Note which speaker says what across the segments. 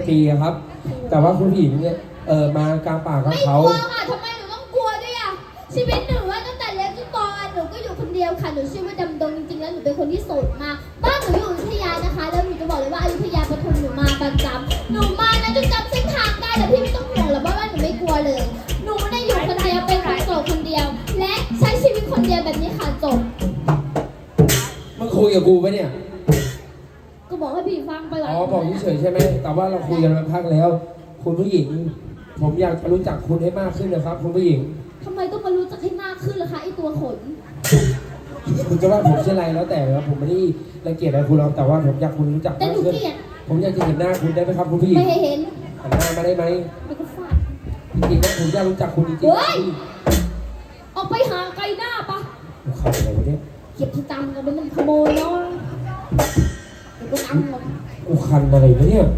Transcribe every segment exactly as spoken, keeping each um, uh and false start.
Speaker 1: ปีอะครับแต่ว่าคุณผู้หญิงเนี่ยเออมากลางป่ากับ
Speaker 2: ไม่
Speaker 1: เขา
Speaker 2: กลัวค่ะทำไมหนูต้องกลัวด้วยอ่ะชีวิตหนูว่าตั้งแต่เล็กจนโตอ่ะหนูก็อยู่คนเดียวค่ะหนูชื่อว่าดำดงจริงๆแล้วหนูเป็นคนที่โสดมากบ้านหนูอยู่อยุธยานะคะแล้วหนูจะบอกเลยว่าอยุธยาปทุมหนูมาประจำหนูมานะจนจำเส้นทางได้แต่พี่ไม่ต้องห่วงหรอกว่าหนูไม่กลัวเลยหนูได้อยู่คนเดียวเป็นคนโสดคนเดียว และใช้ชีวิตคนเดียวแบบนี้ค่ะจบ
Speaker 1: มึงคุยกับกูปะเนี่ย
Speaker 2: ก็บอกให้พี่ฟังไปหลาย
Speaker 1: อ๋อบอกเฉยๆใช่ไหมแต่ว่าเราคุยกันมาพักแล้ว คุณผู้หญิง ผมอยากจะรู้จักคุณให้มากขึ้นนะครับ คุณผู้หญิง
Speaker 2: ทำไมต้องมารู้จักให้มากขึ้นล่ะคะไอตัวขน
Speaker 1: คุณจะว่าผมชื่ออะไรแล้วแต่ครับผมไม่ได้รังเกียจอะไรคุณหรอกแต่ว่าผมอยากคุณรู้จัก
Speaker 2: แต่
Speaker 1: มาก
Speaker 2: หนู
Speaker 1: ขึ้น
Speaker 2: เกลียด
Speaker 1: ผมอยากจะเห็นหน้าคุณได้ไหมครับคุณผู้หญิง
Speaker 2: ไม่ให้เห็น
Speaker 1: หันหน้ามาได้ไหม
Speaker 2: ไม่ก็ฟาด
Speaker 1: จริงๆนะผมอยากรู้จักคุณจริงๆ
Speaker 2: เฮ้
Speaker 1: นะ
Speaker 2: ย ออกไปห่างไกลหน้าปะ
Speaker 1: ผมขับอะไรวะเนี่ย
Speaker 2: เก็บที่ตังค์กันเป็นมันขโมยเนาะเดี๋ยวก็นั่งหมด
Speaker 1: กูคันอะไรวะเนี่ย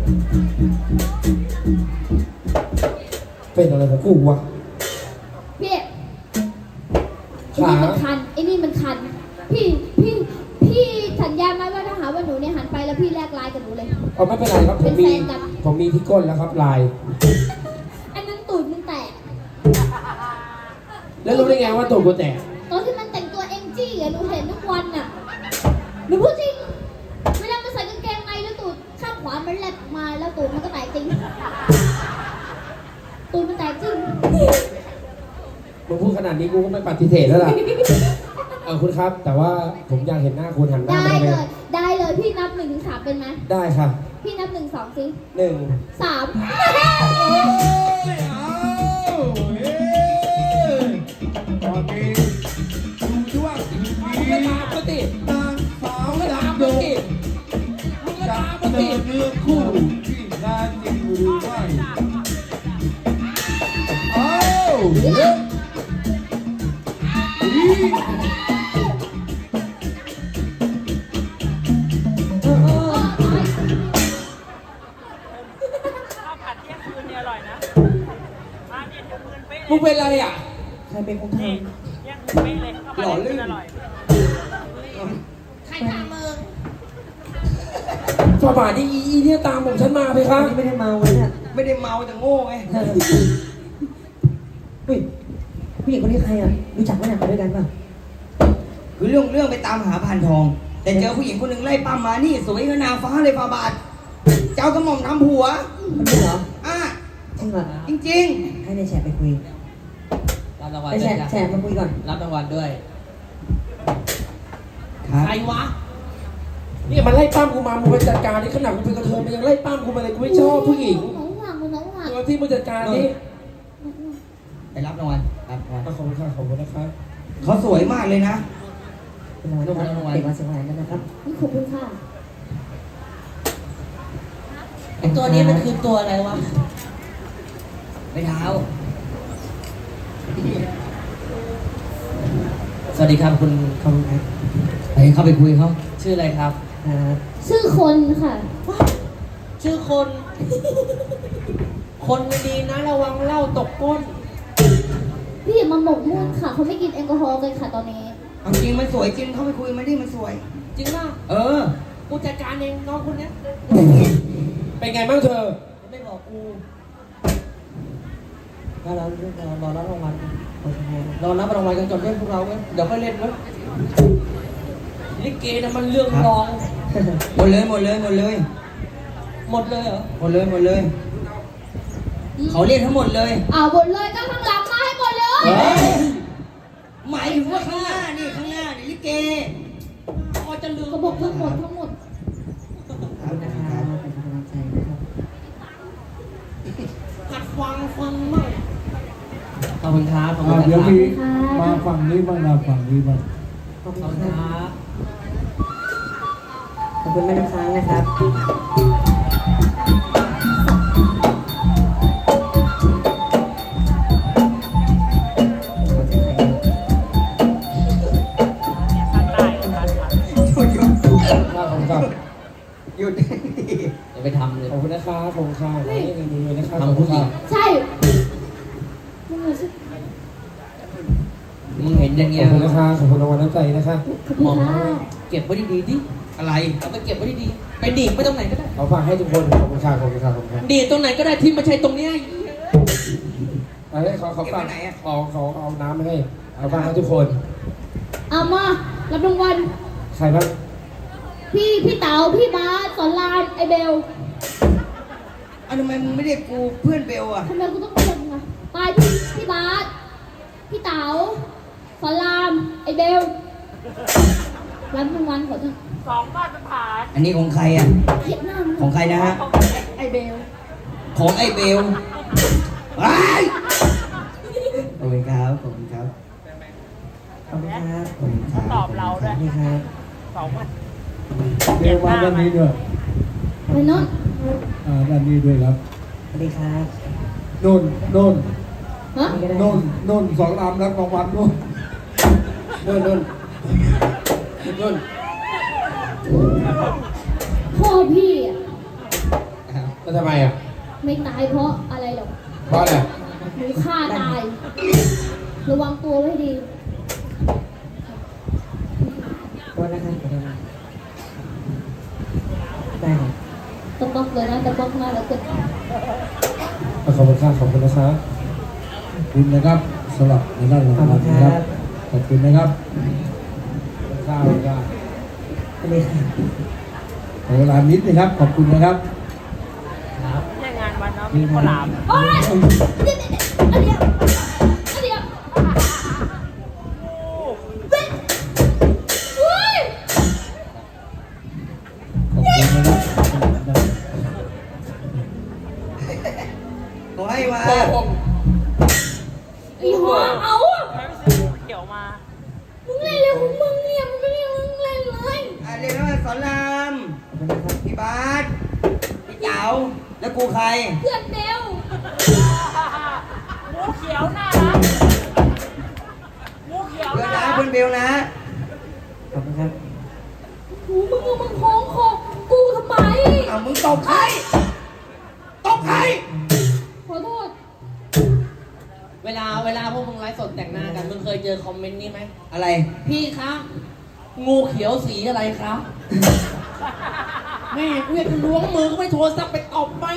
Speaker 1: เป็นอะไรของกูวะ
Speaker 2: พี่ไอ้นี่มันคันไอ้นี่มันคัน พี่พี่พี่สัญญาไหมว่าถ้าหาว่าหนูเนี่ยหันไปแล้วพี่แลกไลน์กับหนูเลย
Speaker 1: เอาไม่เป็นไรครับผมมี
Speaker 2: เป็นแฟนกัน
Speaker 1: ผมมีที่ก้นแล้วครับลาย
Speaker 2: อันนั้นตูดมึงแตก
Speaker 1: แล้วรู้ได้ไงว่าตัวกูแตก
Speaker 2: ตอนที่มันแต่งตัวเอ็งจี้อะหนูเห็นทุกวันอะหนูพูดจริงเวลามันใส่กางเกงในแล้วตูดข้างขวามันแลบมาแล้วตูดมันก็แตกจริงตูดมันแตกจริง
Speaker 1: มึงพูดขนาดนี้กูก็ไม่ปฏิเสธแล้วล่ะ เออคุณครับ แต่ว่าผมอยากเห็นหน้าคุณหันหน้า
Speaker 2: ได้
Speaker 1: มาได้ไห
Speaker 2: เล
Speaker 1: ม
Speaker 2: ย ได้เลย พี่นับหนึ่งถึงสามเป็นไหม
Speaker 1: ได้ค่ะ
Speaker 2: พี่นับหนึ่งสองสิ
Speaker 1: หนึ่ง
Speaker 2: สาม
Speaker 3: ไม่เอาเฮ้ยตอนนี้ดูช่วง
Speaker 1: มึงก็ตามก็ติ
Speaker 3: นางสาว
Speaker 1: มึงก็ตาม
Speaker 3: ดำด
Speaker 1: ก็
Speaker 3: ง
Speaker 1: ติมึงก็
Speaker 3: จะ
Speaker 1: ตามก็
Speaker 3: เดิ
Speaker 1: ติ
Speaker 3: นเนื้อคู่ที่งานจริงหรือไม่เอาเฮ้ยอี
Speaker 1: เออเออ
Speaker 4: ข้าวผัดเที่ยงคืนเนี่ยอร่อยนะมาเนี่ยเที่ยงคืนเป๊ะ
Speaker 1: มึง
Speaker 4: เลย
Speaker 1: เป็นอะไรอ่ะ
Speaker 5: ใครเป็นคนท
Speaker 4: นี่เที่ยงคืนเป๊ะเลยข้าวผัดเที่ยงคืนอร่อย
Speaker 2: ใครทำมึง
Speaker 1: ฝ่าบาทนี่อีอีเนี่ยตามผมฉันมาไปค
Speaker 5: ำ
Speaker 1: รับ
Speaker 5: นี่ไม่ได้เมาเลยเนี่ย
Speaker 3: ไม่ได้เมาแต่โง่ไง
Speaker 5: เฮ้ยผู้หญิงคนนี้ใครอ่ะรู้จักไหมเนี่ยมาด้วยกันป่ะ
Speaker 6: คือเรื่องเรื่องไปตามหาพานทอง แต่เจอผู้หญิงคนหนึ่งไล่ปั้มมานี่สวยขนางฟ้าเลยฟาบาท เจ้ากระหม่อมทำผัว
Speaker 5: คนนี้เหรอ
Speaker 6: อ่ะ
Speaker 5: จริงเหรอ
Speaker 6: จริง
Speaker 5: ให้ในแฉไปคุย
Speaker 7: รับรางวัล
Speaker 5: ไป
Speaker 7: ด้
Speaker 5: แฉ
Speaker 7: วยจ้ะ
Speaker 5: แฉมาคุยก่อน
Speaker 7: รับรางวัลด้วย
Speaker 6: ๆครับ
Speaker 7: ใครวะ
Speaker 1: นี่มันไล่ปั้มกูมามึงไปจัดการนี่ขนาดกูเป็นกระเทยมันยังไล่ปั้มกูมาเลยกูไม่ชอบผู้หญิง
Speaker 2: น้องหวังน้องหวัง
Speaker 1: ตัวที่มึงจัดการนี่
Speaker 6: ไปรับรางวัลรับรางวัล
Speaker 1: ขอบคุณค่ะขอบคุณนะครับ
Speaker 6: เขาสวยมากเลยนะ
Speaker 5: เป็นรางวัลนะครับเด็กมาเสียงหวานกันนะครับ
Speaker 2: นี่ขอบคุณค่ะ
Speaker 7: ไอตัวนี้มันคือตัวอะไรวะ
Speaker 6: ไปเท้า
Speaker 7: สวัสดีครับคุณ
Speaker 5: ขอบคุณครับ
Speaker 6: ไปเข้าไปคุยเขา
Speaker 7: ชื่ออะไรครับ
Speaker 5: อ่า
Speaker 2: ชื่อคนค่ะ
Speaker 7: ชื่อคน คนไม่ดีนะระวังเหล้าตกก้น
Speaker 2: พี่อย่ามาหมกมุ่นค่ะเขาไม่กินแอลกอฮอล์กันค่ะตอนนี้
Speaker 6: เอาจริงมันสวยจริงเข้าไปคุยมันดิมันสวย
Speaker 7: จริงป่ะ
Speaker 6: เออ
Speaker 7: กูจัดการเองน้องคนเนี้ย
Speaker 1: เป็นไงบ้างเธอ
Speaker 7: ไม่บอกกูรอรอรอรอรับรางวัลรอรับรางวัลกันก่อนเล่นพวกเราเว้ยเดี๋ยวค่อยเล่นเว้ยลิเกนะมันเรื่องรอง
Speaker 6: หมดเลยหมดเลยหมดเลย
Speaker 7: หมดเลยเหรอ
Speaker 6: หมดเลยหมดเลย เขาเรียกทั้งหมดเลย
Speaker 2: อ่าหมดเลยก็ข้างหลังมาให้หมดเลย
Speaker 6: เฮ้ยหมายถึงว่าข้างหน้านี่ข้างหน้านี่ลิเก
Speaker 7: พอจะลืม
Speaker 2: เขาบอกทั้งหมดทั้งหมด
Speaker 5: ขอบคุณนะครับเป็นกำลังใจนะครับ
Speaker 7: หัดฟังฟังมั่งขอบคุณครับขอบคุณ
Speaker 3: อ่ะ
Speaker 7: นะ
Speaker 3: เดี๋ยว
Speaker 7: ครับ
Speaker 3: มีมาฝั่งนี้บ้างนะฝั่งนี้บ้าง
Speaker 5: ขอบคุ
Speaker 7: ขอบ
Speaker 5: ณ
Speaker 7: คุณ
Speaker 5: ค
Speaker 7: ค
Speaker 5: รั
Speaker 7: รั
Speaker 5: บบ ขอบคุณแม่น้ำค้างนะครับ
Speaker 4: ภาคใต้ภาคใต้
Speaker 6: หยุดหยุด
Speaker 1: ขอบคุณครับ
Speaker 6: หยุด
Speaker 7: อย่าไปทำเลย
Speaker 1: ขอบคุณนะครับขอบคุณค่ะนี่เงินมือนะครับ
Speaker 7: ทำผู้หญิง
Speaker 2: ใช่มึงเหรอชื่อ
Speaker 7: มึงเห็นอย่าง
Speaker 1: ข
Speaker 7: เงี้
Speaker 1: อย บคุณนะครับขอบคุณรางวัลน้ำใจนะครับ
Speaker 2: ขอบคุณค่ะ
Speaker 7: เก็บไว้ดีๆดิ
Speaker 6: เออะไร
Speaker 7: เอาไปเก็บไว้ดีๆไปดีดไปตรงไหนก็ได้
Speaker 1: เขาฝากให้ทุกคนขอบคุณครับขอบคุณครับขอบคุณครับ
Speaker 7: ดีดตรงไหนก็ได้ที่ไม่ใช่ตรงเนี้ย
Speaker 1: อะไรเขาเขาฝากเอาเขาเอาน้ำมาให้เขาฝากให้ทุกคน
Speaker 2: เอามารับรางวัล
Speaker 1: ใครบ้าง
Speaker 2: พี่พี่เต๋าพี่บาสสอนรามไอเบล
Speaker 6: อ้าวทำไมมึงไม่เรียกกูเพื่อนเบลอ่ะ
Speaker 2: ทำไมกูต้องเรียกมึงอะไปพี่พี่บาสพี่เต๋าสอนรามไอเบลรับรางวัลขอเถอะ
Speaker 4: สองมาตรฐาน
Speaker 6: อันนี้ของใครอ่ะ
Speaker 2: เห็นหน้ามึง
Speaker 6: ของใครนะฮะ
Speaker 2: ไอเบล
Speaker 6: ของไอ้เบลไอ้ายขอบคุณครับ ขอบคุณครับ
Speaker 5: ขอบคุณครับ
Speaker 6: ขอบคุณครับ
Speaker 4: ตอบเราด้วย
Speaker 5: นี่ครับ
Speaker 4: สองมา
Speaker 3: เดี๋ยวมาด้านนี้ด้วย
Speaker 2: ไปโน้น
Speaker 3: อ่าด้านนี้ด้วยครับ
Speaker 5: สวัสดีครับ
Speaker 3: โน่นโน่น
Speaker 2: ฮะ
Speaker 5: นี่ก็ได้
Speaker 3: โน่นโน่นสองลำรับรางวัลโน่น
Speaker 1: นุ่นนุ่นนุ่น
Speaker 2: พ่อพี่อะ
Speaker 1: แล้วทำไมอ่ะ
Speaker 2: ไม่ตายเพราะอะไรหรอก
Speaker 1: เพราะอะไร
Speaker 2: หนูฆ่าตาย ระวังตัวไว้ให้ดี
Speaker 5: โทษนะครับขอโทษนะได้ครับ
Speaker 2: ตะบอกเลยนะตะบอกมาแล้วเกิด
Speaker 1: ขอบคุณครับขอบคุณนะครับ
Speaker 3: ขอบคุณนะครับสำหรับในด้านรางวัลนะครับ ขอบคุณนะครับ
Speaker 1: ข้าวข้าว
Speaker 5: สวัสดีครับ
Speaker 3: ขอเวลานิดนะครับ ขอบคุณนะครับ
Speaker 4: ไม่ใช่งานวันเนาะมีข้าวหลาม
Speaker 2: โอ๊ยเดี๋ยวเดี๋ยวเดี๋ยวเว้ยเฮ้ย
Speaker 3: ขอบคุณนะครับ
Speaker 6: ขอให้มา
Speaker 1: โอ้โห
Speaker 2: ไอ้หัวเอาอะ
Speaker 4: ไม่ไปซื้อเขียวมา
Speaker 2: มึงเล่นเร็วของมึงเนี่ยมึงไม่ได้มึงเล่นเลย
Speaker 6: อ่ะเรียกว่าสอนราม
Speaker 5: ขอบคุณนะครับ
Speaker 6: พี่บาสพี่เต๋าแล้วกูใคร
Speaker 2: เพื่อนเบล
Speaker 4: หมูเขียวน่ารักหมูเขียว
Speaker 6: เพื่อน
Speaker 4: น่า
Speaker 6: นะ
Speaker 4: รัก
Speaker 6: เพื่อนเบลนะ
Speaker 5: ขอบคุณครับ
Speaker 2: หูมึงเอามึงคล้องคอกูทำไม
Speaker 6: เอามึงตบใครตบใคร
Speaker 2: ขอโทษ
Speaker 7: เวลาเวลาพวกมึงไลฟ์สดแต่งหน้ากันมึงเคยเจอคอมเมนต์นี้ไหม
Speaker 6: อะไร
Speaker 7: พี่คะงูเขียวสีอะไรคะแม่กูอยากจะล้วงมือก็ไม่โทรศัพท์ไปตบไป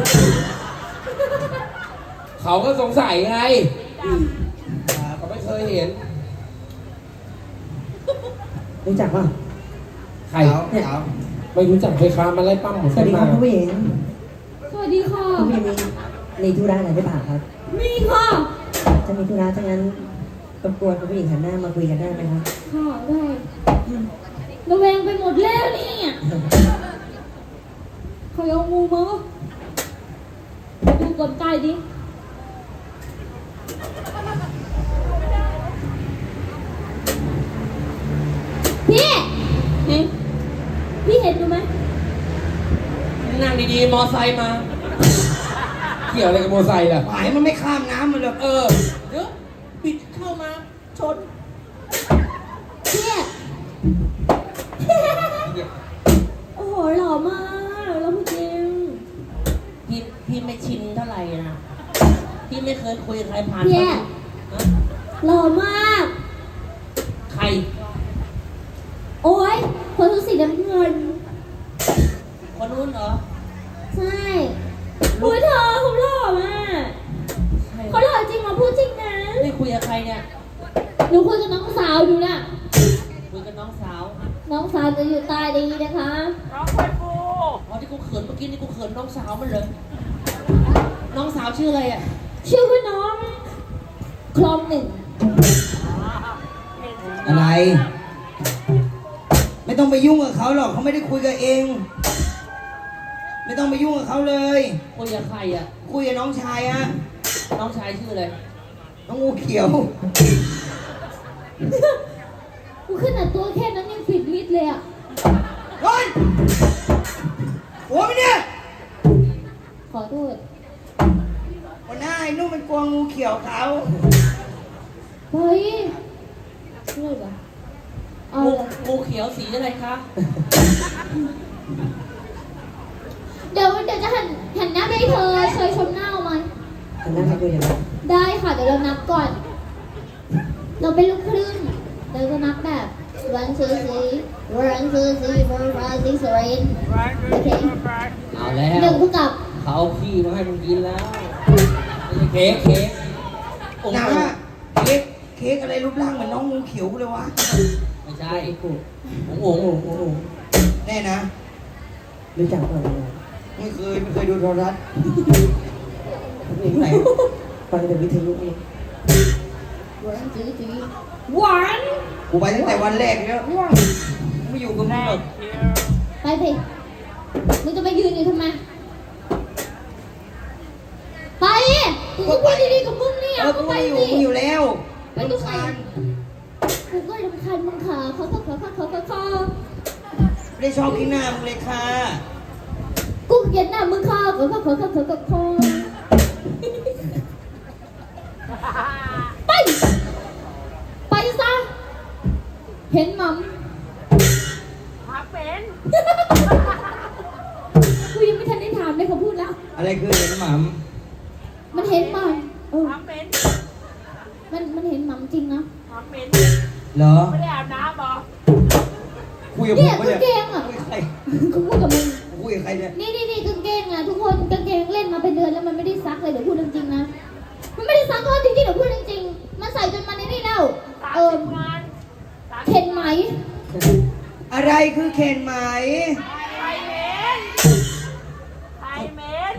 Speaker 1: เขาก็สงสัยไงเขาไม่เคยเห็น
Speaker 5: รู้จักป่ะ
Speaker 1: ใคร
Speaker 6: เต๋าเต๋า
Speaker 1: ไม่รู้จักเคยค้ามาไล่ปั้มผม
Speaker 5: สวัสดีครับ
Speaker 1: มา
Speaker 5: คุณผู้หญิง
Speaker 2: สวัสดีค่ะ
Speaker 5: คุณผู้หญิงมีมีธุระอะไรหรือเปล่าครับ
Speaker 2: มีค่ะ
Speaker 5: ถ้ามีธุระถ้างั้นรบกวนคุณผู้หญิงหันหน้ามาคุยกันได้ไหมครับ
Speaker 2: ค่ะได้ระแวงไปหมดแล้วเนี่ยเขาเอางูมาไปดูก่อนใกล้ดิพี่นี่พี่เห็นดูไหม
Speaker 7: นั่งดีๆ มอไซค์มา
Speaker 1: เกี่ยวอะไรกับโมอไซค์ล่ะ
Speaker 6: หมายมันไม่ข้ามน้ำมันเลย
Speaker 7: เออ เดี๋ยวปิดเข้ามา ชน
Speaker 2: พี่โอ้โหหล่อมากแล้วจริง
Speaker 7: พี่พี่ไม่ชินเท่าไหร่นะ พี่ไม่เคยคุยกับใครผ่าน
Speaker 2: พี่
Speaker 7: ฮะ
Speaker 2: หล่อมาก
Speaker 7: ใคร
Speaker 2: โอ้ยคนทุกสีน้ำเงิน
Speaker 7: คนนู้นเหรอ
Speaker 2: ใช่โอ้ยเธอเขาหล่อมาก
Speaker 7: ใคร
Speaker 2: เขาหล่อจริงเหรอพูดจริงนะ
Speaker 7: ได้คุยกับใครเนี่ย
Speaker 2: หนูคุยกับน้องสาวดูน่ะ
Speaker 7: คุยกับน้องสาว
Speaker 2: น้องสาวจะอยู่ใต้นี้นะคะ
Speaker 4: น้องไฟฟู
Speaker 7: อ๋อที่กูเขินเมื่อกี้นี่กูเขินน้องสาวมันเลย น้องสาวชื่ออะไรอ่ะ
Speaker 2: ชื่อว่าน้องคลองหนึ่ง
Speaker 6: อะไร ไม่ต้องไปยุ่งกับเขาหรอกเขาไม่ได้คุยกับเอง ไม่ต้องไปยุ่งกับเขาเลย
Speaker 7: คุยกับใครอ่ะ
Speaker 6: คุยกับน้องชายฮะ
Speaker 7: น้องชายชื่ออะไร
Speaker 6: น้องงูเขียว
Speaker 2: กูขนาดตัวแค่นั้นยังผิดลิดเลยอ่ะ
Speaker 6: ร้อนหัวมันเนี่ย
Speaker 2: ขอโทษ
Speaker 6: วันหน้าไอ้นุ่มมันกลัวงูเขียวเขา
Speaker 2: เฮ้ยเลิกอ่ะเอา
Speaker 7: งู
Speaker 2: เลย
Speaker 7: งูเขียวสีอะไรคะ
Speaker 2: เดี๋ยวเดี๋ยวจะหันหันหน้าไปให้เธอเคยชมหน้าเอาไหม
Speaker 5: หันหน้ามาคุยกันครับ
Speaker 2: ได้ค่ะเดี๋ยวเรานับก่อน เราเป็นลูกครึ่งเราจะนับแบบ one two three one two three four five six seven โอเค
Speaker 7: เอาแล้ว
Speaker 2: หนึ่งเท่ากับ
Speaker 7: เขาเอาขี้มาให้มึงกินแล้วไม่ใช่เค้กเค้กโอ้โห
Speaker 6: นะเค้กเค้กอะไรรูปร่างเหมือนน้องงูเขียวเลยวะ
Speaker 7: ไม่ใช่โอ้โหโอ้โหโอ้โห
Speaker 6: แน่นะ
Speaker 5: รู้จักเปล่า
Speaker 6: ไม่เคยไม่เคยดูโทรทัศน์
Speaker 7: เพลงไหน
Speaker 5: ฟังแต่วิทยุเอง
Speaker 2: one two three one
Speaker 6: กูไปตั้งแต่วันแรกแล้วไม่อยู่กับมึงหรอก
Speaker 2: ไปสิมึงจะไปยืนอยู่ทำไม ไปกูก็พูดดีๆกับมึงเนี่ย
Speaker 6: เออ
Speaker 2: ก็
Speaker 6: กู
Speaker 2: ไป
Speaker 6: ไม่อยู่
Speaker 2: สิ
Speaker 6: กูอยู่แล้ว
Speaker 2: ไปดูใคร
Speaker 6: รำคาญ
Speaker 2: กูก็รำคาญมึงขาเขาเขาเขาเขาเขาเขา
Speaker 6: ไม่ได้ชอบที่หน้ามึงเลยค่ะ
Speaker 2: กูเกลียดหน้ามึงขาเขาเขาเขาเขาเขาเขาไป ไปซะ เห็นมัม
Speaker 4: พักเป็น
Speaker 2: กูยังไม่ทันได้ถามเลยเขาพูดแล้ว
Speaker 6: อะไรคือเห็นหม่
Speaker 2: มันเห็นมัมเออ
Speaker 4: พักเป็น
Speaker 2: มันมันเห็นมัมจริงนะ
Speaker 4: พักเป็น
Speaker 6: ำเหรอ
Speaker 4: ไม่ได้อาบน้ำเหรอ
Speaker 6: คุยกับผ
Speaker 2: เนี่ย
Speaker 6: มปะ
Speaker 2: กาง
Speaker 6: เนี่ย
Speaker 2: เกงอ่ะ
Speaker 6: คุยกับใคร
Speaker 2: กูพูดกับมึง
Speaker 6: คุยกับใครเนี่ย
Speaker 2: นี่นี่นี่กางเกงอ่ะทุกคนกางเกงเล่นมาเป็นเดือนแล้วมันไม่ได้ซักเลยเดี๋ยวพูดเรื่องจริงนะ มันไม่ได้ซักก็จริงๆเดี๋ยวพูดเรื่องจริง มันใส่จนมันในนี่แล้ว
Speaker 4: สาม
Speaker 2: เออ
Speaker 4: สิบงานสามสิบ
Speaker 2: เห็นไหม
Speaker 6: อะไรคือเคนไหม
Speaker 4: ไทยเมนไทยเมน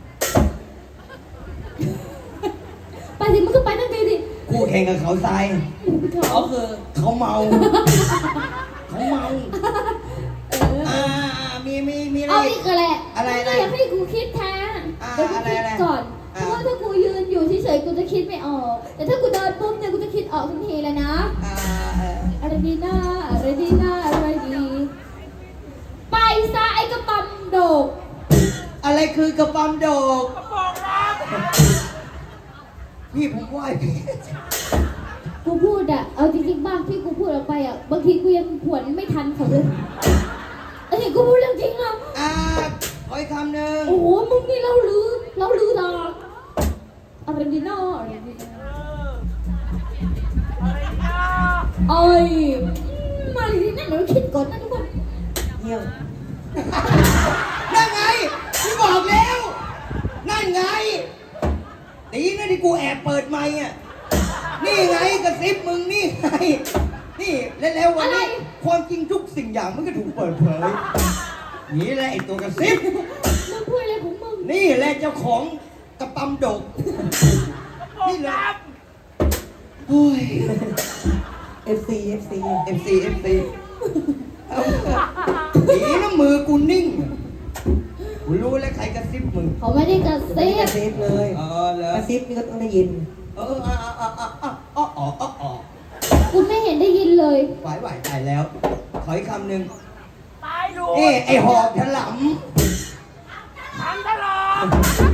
Speaker 2: ไปสิมึงก็ไปตั้งทีสิ
Speaker 6: กูแข่งกับเขาทราย
Speaker 7: เขาคือ
Speaker 6: เขาเมา เขาเมา
Speaker 2: เออ
Speaker 6: อ่ามีมีมีอะไร
Speaker 2: เอา
Speaker 6: อี
Speaker 2: อี
Speaker 6: ก
Speaker 2: กแหละ
Speaker 6: อะไรอะไร
Speaker 2: มึงอยากให้กูคิดแท้
Speaker 6: อ่า
Speaker 2: เดี๋ยวกู
Speaker 6: อะไร
Speaker 2: คิด
Speaker 6: อะไร
Speaker 2: ก่อน เพ
Speaker 6: อ่า
Speaker 2: ราะว่าถ้ากูยืนอยู่เฉยๆกูจะคิดไม่ออก แต่ถ้ากูเดินปุ๊บเนี่ยกูจะคิดออกทันทีเลยนะ
Speaker 6: อ่า
Speaker 2: อะไรดีนะอะไรดีนะอะไรดี ไปซะไอ้กระปั๊มโดก
Speaker 6: อะไรคือกระปั๊มโดก
Speaker 4: กระโปรงรัก
Speaker 6: พี่ผมไหวพี่
Speaker 2: กูพูดอะเอาจริงๆบ้างที่กูพูดออกไปอะบางทีกูยังผวนไม่ทันเขาเลยเอ้ยกูพูดเรื่องจริงอะ
Speaker 6: อ่าขออีกคำหนึ่ง
Speaker 2: โอ้โหมึงนี่เล่าลือเล่าลือดอกอะไรดีนะอะไรดีนะ
Speaker 4: เอออะไรนะ
Speaker 2: เอ้ยมาดีนะเดี๋ยวคิดก่อนนะทุกคน
Speaker 5: เยี่ยม
Speaker 6: นั่นไงพี่บอกแล้ว นั่นไงดีนะที่กูแอบเปิดไมค์อ่ะ นี่ไงกระซิบมึงนี่ไง นี่แล้วแล้ววันนี้ความจริงทุกสิ่งอย่างมันก็ถูกเปิดเผย นี่แหละไอ้ตัวกระซิบ
Speaker 2: มึงพูดอะไรของมึง
Speaker 6: นี่แหละเจ้าของกระปั๊มดก
Speaker 4: กระโปรงด
Speaker 6: โอ้ย
Speaker 5: เอฟซีเอฟซี
Speaker 6: เอฟซีเอฟซีเอาดีนะมือกูนิ่ง กูรู้แล้วใครกระซิบมึง
Speaker 2: เขาไม่ได้กระ
Speaker 5: ไม่
Speaker 2: ซิ
Speaker 5: ได้กระ
Speaker 2: บ
Speaker 5: ซิบเลย
Speaker 6: เออเหรอก
Speaker 5: ระซิบนี่ก็ต้องได้ยิน
Speaker 6: เอออ่ะอ่ะอ่ะอ่ะอ่ะอ่ะอ่ะอ่ะอ่ะ
Speaker 2: กูไม่เห็นได้ยินเลย
Speaker 6: ไหวไหวตายแล้ว ขออีกคำหนึ่ง
Speaker 4: ำตายรู
Speaker 6: เอ้
Speaker 4: ด
Speaker 6: ไอหอกถล
Speaker 4: ทั้งตลอด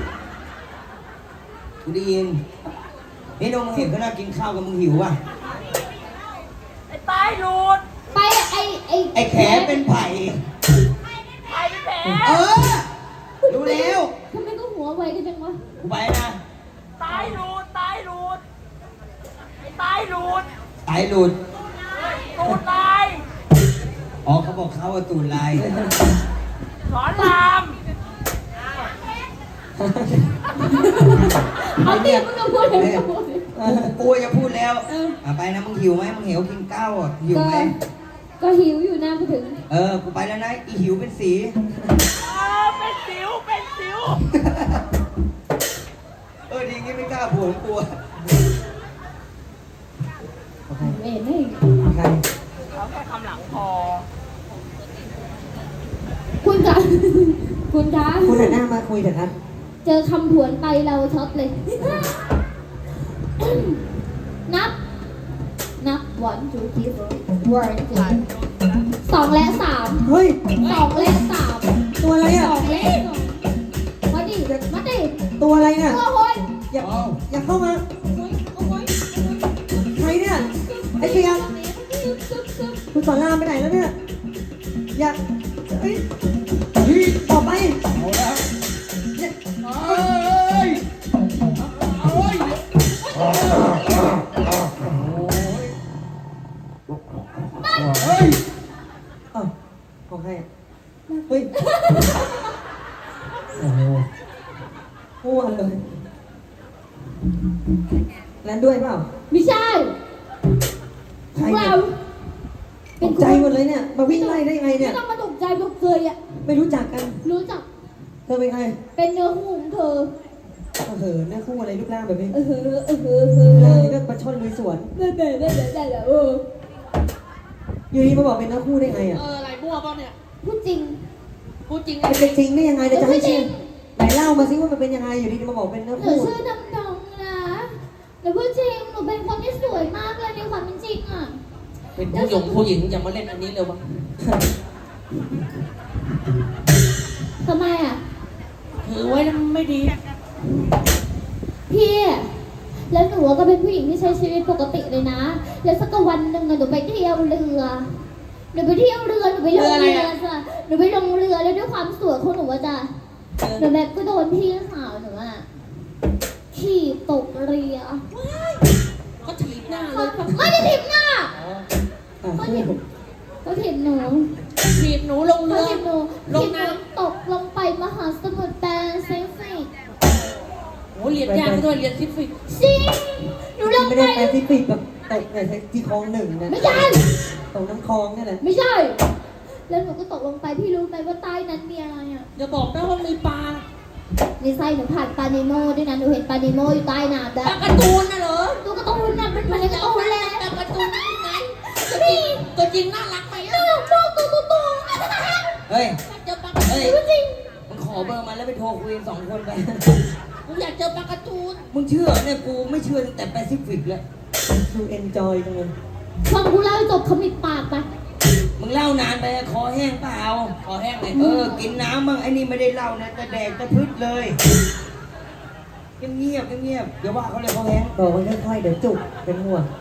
Speaker 6: ำกูได้ยินนี่น้องมึงเห็นก็น่ากินข้าวกับมึงหิวป่ะ
Speaker 4: ไอ้ตายรูด
Speaker 2: ไปไอ้ไอ้
Speaker 6: ไอแขเป็นไผ่
Speaker 4: ไทยเป็นแผล
Speaker 6: เออ รู้แล้ว
Speaker 2: ทำไมก็หัวไวกันจังวะ
Speaker 6: กูไปนะ
Speaker 4: ตายรูดตายรูดไอ้ตายรูด
Speaker 6: สายหลุด
Speaker 4: ตูดตาย
Speaker 6: อ๋อเขาบอกเขาว่าตูนลาย
Speaker 4: สอนราม
Speaker 2: เอาเตียมึงก็พูดเลยมึงก็พูดเลย
Speaker 6: กูจะพูดแล้ว
Speaker 2: เออ
Speaker 6: อ่ะไปนะมึงหิวไหมมึงหิวกินข้าวอ่ะหิว
Speaker 2: ก็
Speaker 6: ไหม
Speaker 2: ก็หิวอยู่นะพูดถึง
Speaker 6: เออ กูไปแล้วนะ อีหิวเป็นสี
Speaker 4: เออเป็นสิวเป็นสิว
Speaker 6: เออ ดีงี้ไม่กล้าผัวกลัว
Speaker 2: ไม่เห็นไม่
Speaker 5: ใคร
Speaker 4: เขาแค่คำหลังพอ
Speaker 2: คุณคะ คุณคะ
Speaker 5: คุณหันหน้ามาคุยเถอะครับ
Speaker 2: เจอคำผวนไปเราช็อตเลย นับ นับ one two three four one two สองและสาม
Speaker 5: เฮ้ย
Speaker 2: สองและสาม
Speaker 5: ตัวอะไร
Speaker 2: ส
Speaker 5: อ่ะ
Speaker 2: องและสองมาดิมาดิ
Speaker 5: ตัวอะไรเนี่ย
Speaker 2: โอ้โหย
Speaker 5: อย่าอย่าเข้ามา
Speaker 2: โอ้ยโอ้ย
Speaker 5: ใครเนี่ย ไอ้เสียคุณสอนรามไปไหนแล้วเนี่ย อย่าเฮ้ยออกไป
Speaker 6: เอาแล้ว
Speaker 5: เนี่ย
Speaker 6: เอ้ยเอ้ยเฮ้ย
Speaker 5: เอ้ามั่วเลยแล้วด้วยเปล่า
Speaker 2: ไม่ใช่
Speaker 5: ใคร
Speaker 2: เรา
Speaker 5: เนี่ยตกใจหมดเลยเนี่ย มาวิ่งไล่ได้ยังไง
Speaker 2: ไม่
Speaker 5: เนี่ย
Speaker 2: ต้องมาตกใจพวกเคยอ่ะ
Speaker 5: ไม่รู้จักกัน
Speaker 2: รู้จัก
Speaker 5: เธอเป็นใคร
Speaker 2: เป็นเนื้อคู่ของเธอ
Speaker 5: เออเหอะหน้าคู่อะไรรูปร่างแบบนี้
Speaker 2: เออเออเออเออเอ
Speaker 5: รูปร่าง
Speaker 2: อ
Speaker 5: นี่ก็ปลาช่อนลุยสวน
Speaker 2: ได้ได้ได้ได้ได้ได้เออ
Speaker 5: อยู่ดีมาบอกเป็นหน้าคู่ได้ไงอ่ะ
Speaker 7: เอออะไรมั่วเปล่าเนี่ย
Speaker 2: พูดจริง
Speaker 7: พูดจริง
Speaker 5: มันเป็นจริงได้ยังไงเดี๋ยวจะให้เชื่อ
Speaker 2: ไม่จริง
Speaker 5: ไหนเล่ามาสิว่ามันเป็นยังไงอยู่ดีมาบอกเป็นหน้า
Speaker 2: หนู
Speaker 5: คู่
Speaker 2: ชื่อดำดงนะหนูพูดจริงหนูเป็นคนที่สวยมากเลยในความเป็นจริงอ่ะ
Speaker 7: เป็นผู้หญิงผู้หญิงอย่ามาเล่นอันนี้เลยวะ
Speaker 2: ทำไมอ่ะ
Speaker 7: ถือไว้แล้วไม่ดี
Speaker 2: พี่แล้วหนูก็เป็นผู้หญิงที่ใช้ชีวิตปกติเลยนะ แล้วสักวันหนึ่งอะหนูไปเที่ยวเรือ หนูไปเที่ยวเรือ หนูไปลงเรือจ้ะหนูไปลงเรือแล้วด้วยความสวยของหนูอะจ้ะหนูแบบก็โดนพี่สาวหนูอะขี่ตกเรือ
Speaker 7: เขาถีบหน้าเลย
Speaker 2: ไม่ได้ถีบหน้า
Speaker 5: อ่ะ
Speaker 2: เขา
Speaker 5: คู่
Speaker 2: ถีบเขาถีบหนู
Speaker 7: ถีบหนูลง
Speaker 2: เขา
Speaker 7: เรือ
Speaker 2: ถีบหนู
Speaker 7: ลง
Speaker 2: ถีบห
Speaker 7: น้
Speaker 2: นูตกลงไปมหาสมุทรแปซิฟิก
Speaker 7: ำโอ้เรียนยากด้วยเรียนซิฟิก
Speaker 2: จริงหนูลง
Speaker 5: ไม่
Speaker 2: ไป
Speaker 5: ได้แปซิฟิกแบบตกในที่คลองหนึ่งนะ
Speaker 2: ไม่ใช่
Speaker 5: ตกน้ำคลองนี่แหละ
Speaker 2: ไม่ใช่ แล้วหนูก็ตกลงไปพี่รู้ไหมว่าใต้นั้นมีอะไรอ่ะ
Speaker 7: อย่าบอกนะว่ามีปลา
Speaker 2: ในไส้หนูผ่านปลาเนโมด้วยนะหนูเห็นปลาเนโมอยู่ใต้น้ำด้ว
Speaker 7: ปลาย การ์ตูนน่ะเหรอ
Speaker 2: ตัวการะตูนน่ะมันเหมือนการะตูนเลย
Speaker 7: ปลาการ์ตูนนี่ไงตัวจริงตัวจริงน่ารักไหม
Speaker 2: น่า
Speaker 7: อ่ะ
Speaker 2: รักมากตัวตัวตัว
Speaker 6: เฮ้ย
Speaker 7: เจอปลา
Speaker 6: เฮ้ย
Speaker 2: จริง
Speaker 6: มึงขอเบอร์มาแล้วไปโทรคุยกันสองคนไป
Speaker 7: กูอยากเจอปลาการ์ตูน
Speaker 6: มึงเชื่อเนี่ยกูไม่เชื่อตั้งแต่แปซิฟิกแล้ว
Speaker 5: ดูเอนจอยจังเลย
Speaker 2: ฟังกูเล่าให้จบขมิบปากไป
Speaker 6: มึงเล่านานไปคอแห้งเปล่า
Speaker 7: ขอแห้งเลย
Speaker 6: เออ กินน้ำบ้างไอ้นี่ไม่ได้เล่านะแต่แดกตะพืชเลยเงียบๆเงียบๆเดี๋ยวว่าเขาเลยเขาแห้ง
Speaker 5: บอกมันค่อยๆเดี๋ยวจุกเป็นห่วง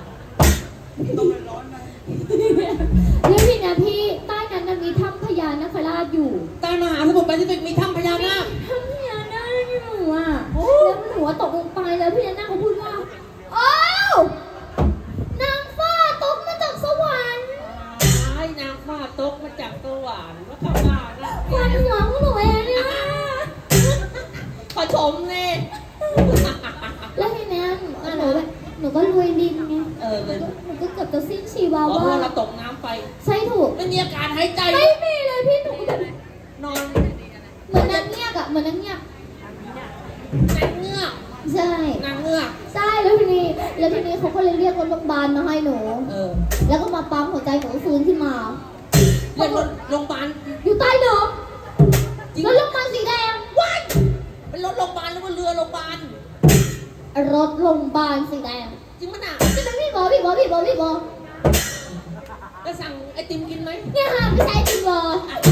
Speaker 2: แล้วพี่นะพี่ใต้นั้นน่ะมีถ้ำพญานาคราชอยู่
Speaker 7: ใต้มหาสมุทรแปซิฟิกมีถ้ำพญานาค
Speaker 2: ถ้ำพญานาคอยู่อ่ะแล้วหนูอะตกลงไปแล้วพญานาคเขาพูดว่าโอ้าวนางฟ้าตกมาจากสวรรค์
Speaker 7: ไอ้นางฟ้าตกมาจากสวรรค์ว่าเข้าบ้านนะ
Speaker 2: ควันหัวของหนูเองเนี่ย
Speaker 7: ขอชมเลย
Speaker 2: แล้วทีเนี้ยหนูก็หนูแบบหนูก็รวยดินไง
Speaker 7: เออเลย
Speaker 2: หนูก็เกือบจะสิ้นชีวา
Speaker 7: เพราะ
Speaker 2: ว่า
Speaker 7: ว่าเราตกน้ำไป
Speaker 2: ใช่ถูก
Speaker 7: ไม่มีอากาศหายใจ
Speaker 2: ไม่มีเลยพี่หนูก็แบบ
Speaker 7: นอน
Speaker 2: เหมือนนางเงียบอะเหมือนนางเงียบ
Speaker 7: นางเงือก
Speaker 2: ใช่
Speaker 7: นางเงือก
Speaker 2: ใช่แล้วทีนี้แล้วทีนี้เขาก็เลยเรียกรถโรงพยาบาลมาให้หนู
Speaker 7: เออ
Speaker 2: แล้วก็มาปั๊มหัวใจหนูฟื้นขึ้นมา
Speaker 7: เรียนโรงพยาบาล
Speaker 2: อยู่ใต้น้
Speaker 7: จริง
Speaker 2: ำแล้วโรงพยาบาลสีแดง
Speaker 7: ว้ายเป็นรถโรงพยาบาลหรือว่าเรือโรงพยาบาล
Speaker 2: รถโรงพยาบาลสีแดง
Speaker 7: จริงมั้ยน่ะ
Speaker 2: จะเป็นพี่บอพี่บอพี่บอพี่บอ
Speaker 7: จะสั่งไอติมกินไหม
Speaker 2: เนี่ยค่ะไม่ใช่พี่บอ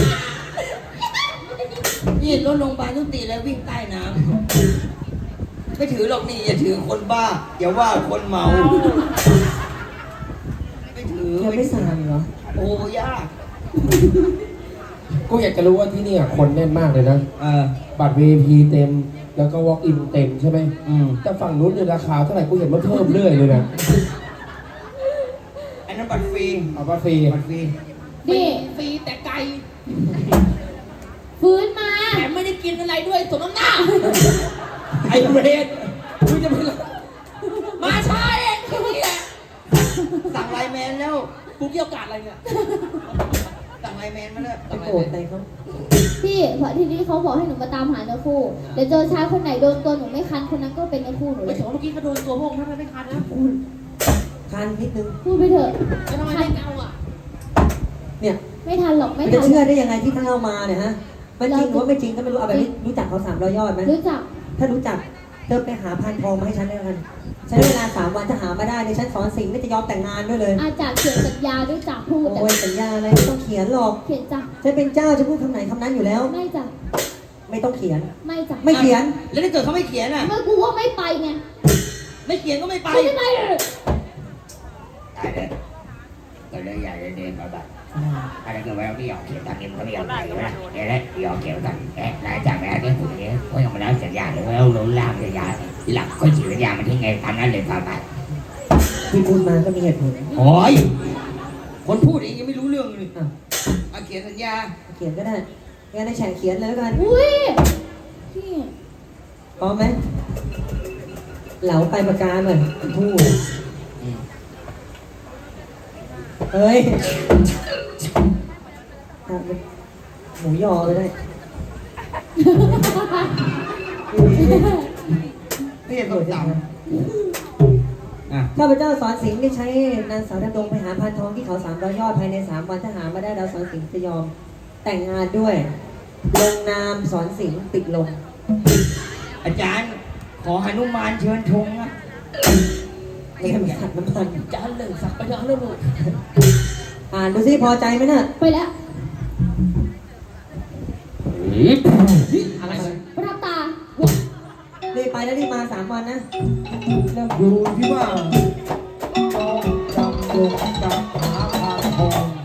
Speaker 6: นี่รถโรงพยาบาลทุกตีแล้ววิ่งใต้น้ำไม่ถือหรอกนี่อย่าถือคนบ้า อย่าว่าคนเมา ไม่ถือ
Speaker 5: เธอไม่สานเหรอ
Speaker 6: โอ้ยาก
Speaker 1: กูอยากจะรู้ว่าที่นี่อะคนแน่นมากเลยนะ
Speaker 6: เออ
Speaker 1: บัตร วี ไอ พี เต็ม แล้วก็ walk in เต็มใช่ไหม
Speaker 6: อืม
Speaker 1: แต่ฝั่งนู้นเนี่ยราคาเท่าไหร่กูเห็นมันเพิ่มเรื่อยเลยนะ
Speaker 6: อันนั้นบัตรฟรี
Speaker 1: เอาบัตรฟรี
Speaker 6: บัตรฟรี
Speaker 2: นี่
Speaker 7: ฟรีแต่ไกล
Speaker 2: ฟื้นมา
Speaker 7: แถมไม่ได้กินอะไรด้วยสมน้ำหน้า
Speaker 1: ไอ้เบรดมึงจะไป
Speaker 7: มาช้าเองแค่นี้แหละ
Speaker 6: สั่งไลน์แมนแล้ว
Speaker 7: กูเกี่ยวกาดอะไรเนี่ย
Speaker 6: สั่งไลน์แมนมาแล้ว
Speaker 5: ไปโกรธอะไรเขา
Speaker 2: พี่เพราะทีนี้เขาบอกให้หนูมาตามหาเนื้อคู่เดี๋ยวเจอชายคนไหนโดนตัวหนูไม่คันคนนั้นก็เป็นเนื้อคู่หนูเล
Speaker 7: ไม่
Speaker 2: ย
Speaker 7: ถึงว่าเมื่อกี้เขาโดนตัวพวกนั้นไม่คันนะ
Speaker 5: คันนิดนึง
Speaker 2: พูดไปเถอะ
Speaker 7: แล้วทำไมไม่เอาอ่ะ
Speaker 5: เนี่ย
Speaker 2: ไม่ทันหรอกไม่
Speaker 5: มัน
Speaker 2: ทั
Speaker 5: จะ
Speaker 2: น
Speaker 5: เชื่อได้ยังไงที่ท่านเอามาเนี่ยฮะมันจริงหรือว่าไม่จริงก็ไม่รู้เอาแบบนี้รู้จักเขาสามร้อยยอดไหม
Speaker 2: รู้จัก
Speaker 5: ถ้ารู้จักเธอไปหาพานทองมาให้ฉันได้แล้วกันใช้เวลาสามวันถ้าหามาได้ในฉันสอนสิ่งไม่จะยอมแต่งงานด้วยเลย
Speaker 2: อาจากเขียนสัญญาด้วยจากพูด
Speaker 5: โอ้ยสัญญาอะไรไม่ต้องเขียนหรอก
Speaker 2: เขียนจ้ะ
Speaker 5: ฉันเป็นเจ้าจะพูดคำไหนคำนั้นอยู่แล้ว
Speaker 2: ไม่จ้ะ
Speaker 5: ไม่ต้องเขียน
Speaker 2: ไม่จ้ะ
Speaker 5: ไม่เขียน
Speaker 6: แล้วถ้าเกิดเขาไม่เขียนอ่ะ
Speaker 2: เมื่อกูว่าไม่ไปไง
Speaker 6: ไม่เขียนก็ไม่ไป
Speaker 2: กูไม่ไปเลย
Speaker 8: ตายเลยก็เลยอยากจะเดินมาแบบอะไรก็แล้วที่ออกเขียนตอนนี้มันก็ไม่ยอมไปใช่ไหมเนี่ยแหละที่ออกเขียนตอนเอ๊ะหลังจากนั้นเนี่ยผมเนี่ยก็ยังมาแล้วสัญญาเลยว่าเราล้างสัญญาทีหลังก็ฉีกสัญญามันทิ้งไงตามนั้นเลยพาไป
Speaker 5: ที่พูดมาก็มีเหตุผล
Speaker 6: โอ้ยคนพูดเองยังไม่รู้เรื่องเลย
Speaker 5: อ่ะ
Speaker 6: เอาเขียนสัญญา
Speaker 5: เขียนก็ได้งั้นในแฉเขียนเลยแล้วกัน
Speaker 2: อุ้ยพี่
Speaker 5: พร้อมไหมเหลาไปปากกาเหมือนทู่เฮ้ยอ่ะหมูยอเลยได้
Speaker 6: นี่ต้องจำอ่ะ
Speaker 5: ข้าพเจ้าสอนสิงห์ได้ใช้นางสาวดำดงไปหาพานทองที่เขาสามร้อยยอดภายในสามวันถ้าหามาได้เราสอนสิงห์จะยอมแต่งงานด้วยลงนามสอนสิงห์ติดลง
Speaker 6: อาจารย์ ขอหนุมานเชิญธงอ่ะ
Speaker 5: ไม่ใช่ขัดน้ำมัน
Speaker 7: จานหนึ่งสักไปแล้วลูก
Speaker 5: อ่านดูสิพอใจไหมน่ะ
Speaker 2: ไปแล้ว
Speaker 7: อะไรเลย
Speaker 2: ประทับตา
Speaker 5: รีบไปแล้วรีบมาสามวันนะเริ่ม
Speaker 3: ดูที่ว่าจองจำลงกับหาพานทอง